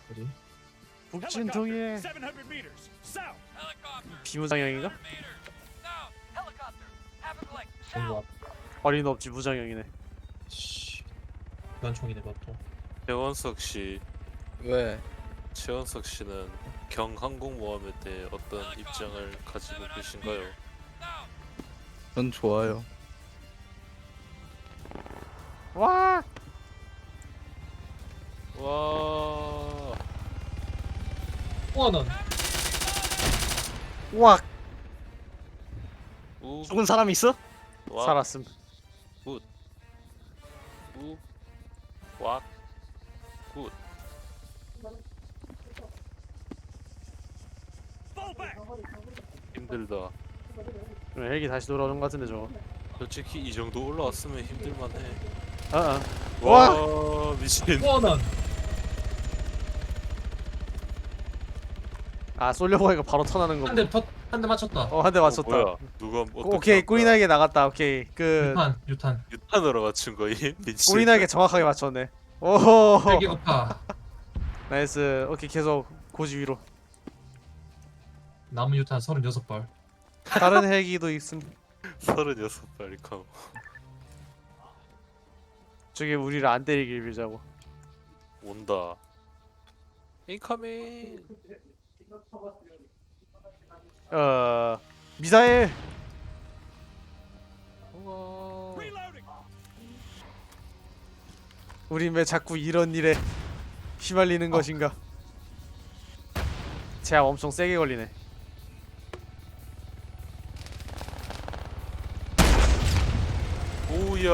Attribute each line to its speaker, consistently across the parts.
Speaker 1: 어디?
Speaker 2: 북진통에
Speaker 3: 700 meters south.
Speaker 2: 비무장형인가?
Speaker 1: 뭔가
Speaker 2: 어린 없지 무장형이네.
Speaker 1: 씨. 기관총이네 그것도.
Speaker 4: 최원석 씨,
Speaker 5: 왜?
Speaker 4: 최원석 씨는 경항공모함에 대해 어떤 입장을 가지고 계신가요?
Speaker 5: 전 좋아요.
Speaker 2: 와
Speaker 4: 와,
Speaker 1: 우와는
Speaker 2: 우악
Speaker 4: 우,
Speaker 6: 죽은 사람이 있어?
Speaker 4: 와,
Speaker 2: 살았음.
Speaker 4: 우, 와, 굿.
Speaker 3: Fall back.
Speaker 4: 힘들다.
Speaker 2: 헬기 다시 돌아오는 것 같은데 저거.
Speaker 4: 솔직히 이 정도 올라왔으면 힘들만해.
Speaker 2: 아
Speaker 4: 와, 미친.
Speaker 1: 우와는
Speaker 2: 아 쏠려고 하니까 바로 턴하는 거.
Speaker 1: 한 대 맞췄다.
Speaker 2: 한 대 맞췄다.
Speaker 4: 뭐야? 누가 어떻게
Speaker 2: 오케이
Speaker 4: 한 거야?
Speaker 2: 꼬리나게 나갔다. 오케이 그
Speaker 1: 유탄.
Speaker 4: 유탄으로 맞춘 거임? 미친.
Speaker 2: 꼬리나게 정확하게 맞췄네. 오
Speaker 1: 헬기 오파.
Speaker 2: 나이스. 오케이 계속 고지 위로.
Speaker 1: 남은 유탄 36발.
Speaker 2: 다른 헬기도 있음.
Speaker 4: 36발 컴.
Speaker 2: 저게 우리를 안 때리길 빌자고.
Speaker 4: 온다. 인커밍.
Speaker 2: 미사일.
Speaker 4: 우와.
Speaker 3: Reloading.
Speaker 2: 우린 왜 자꾸 이런 일에 휘말리는 것인가? 제약 엄청 세게 걸리네.
Speaker 4: 오야.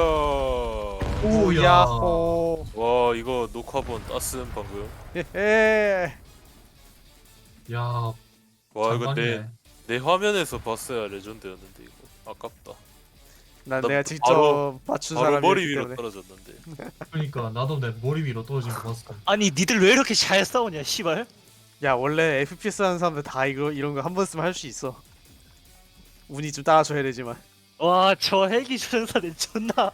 Speaker 2: 오야호.
Speaker 4: 와, 이거 녹화본 땄음 방금.
Speaker 2: 헤헤.
Speaker 1: 야,
Speaker 4: 와, 이거
Speaker 1: 장관이네.
Speaker 4: 내 화면에서 봤어야 레전드였는데 이거 아깝다.
Speaker 2: 난
Speaker 4: 나
Speaker 2: 내가 직접
Speaker 4: 바로-
Speaker 2: 맞춘
Speaker 4: 바로 머리
Speaker 2: 사람이기
Speaker 4: 위로
Speaker 2: 때문에.
Speaker 4: 떨어졌는데.
Speaker 1: 그러니까 나도 내 머리 위로 떨어진 거 봤어.
Speaker 6: 아니 니들 왜 이렇게 잘 싸우냐 씨발.
Speaker 2: 야 원래 FPS 하는 사람들 다 이런 거 한 번 쓰면 할 수 있어. 운이 좀 따라줘야 되지만.
Speaker 6: 와 저 헬기 조종사는 존나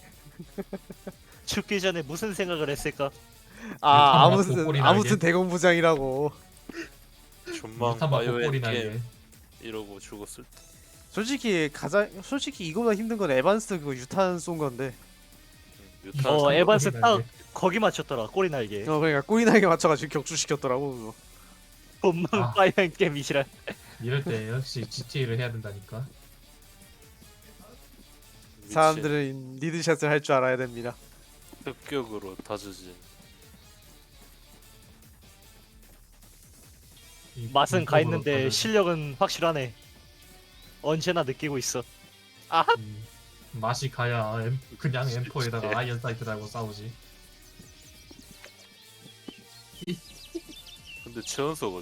Speaker 6: 죽기 전에 무슨 생각을 했을까?
Speaker 2: 아
Speaker 1: 유탄 맞고 꼬리
Speaker 2: 아무튼
Speaker 1: 날개.
Speaker 2: 대공부장이라고.
Speaker 4: 존망
Speaker 1: 유탄 맞고
Speaker 4: 바이오엔캠
Speaker 1: 꼬리 날개.
Speaker 4: 이러고 죽었을 때.
Speaker 2: 솔직히 이거보다 힘든 건 에반스 그거 유탄 쏜 건데.
Speaker 4: 유탄.
Speaker 6: 어, 에반스
Speaker 1: 꼬리
Speaker 6: 딱
Speaker 1: 날개.
Speaker 6: 거기 맞췄더라 꼬리 날개.
Speaker 2: 그러니까 꼬리나게 맞춰가지고 격추시켰더라고 그거.
Speaker 6: 본망
Speaker 1: 아.
Speaker 6: 파이언 게임이시라.
Speaker 1: 이럴 때 역시 GTA를 해야 된다니까.
Speaker 4: 미친.
Speaker 2: 사람들은 리드샷을 할 줄 알아야 됩니다.
Speaker 4: 습격으로 다져진.
Speaker 6: 맛은 가 있는데
Speaker 1: 이쪽으로
Speaker 6: 실력은 확실하네. 언제나 느끼고 있어.
Speaker 1: 맛이 가야 그냥 M4에다가 아이언 사이트 달고 싸우지.
Speaker 4: 근데 최원석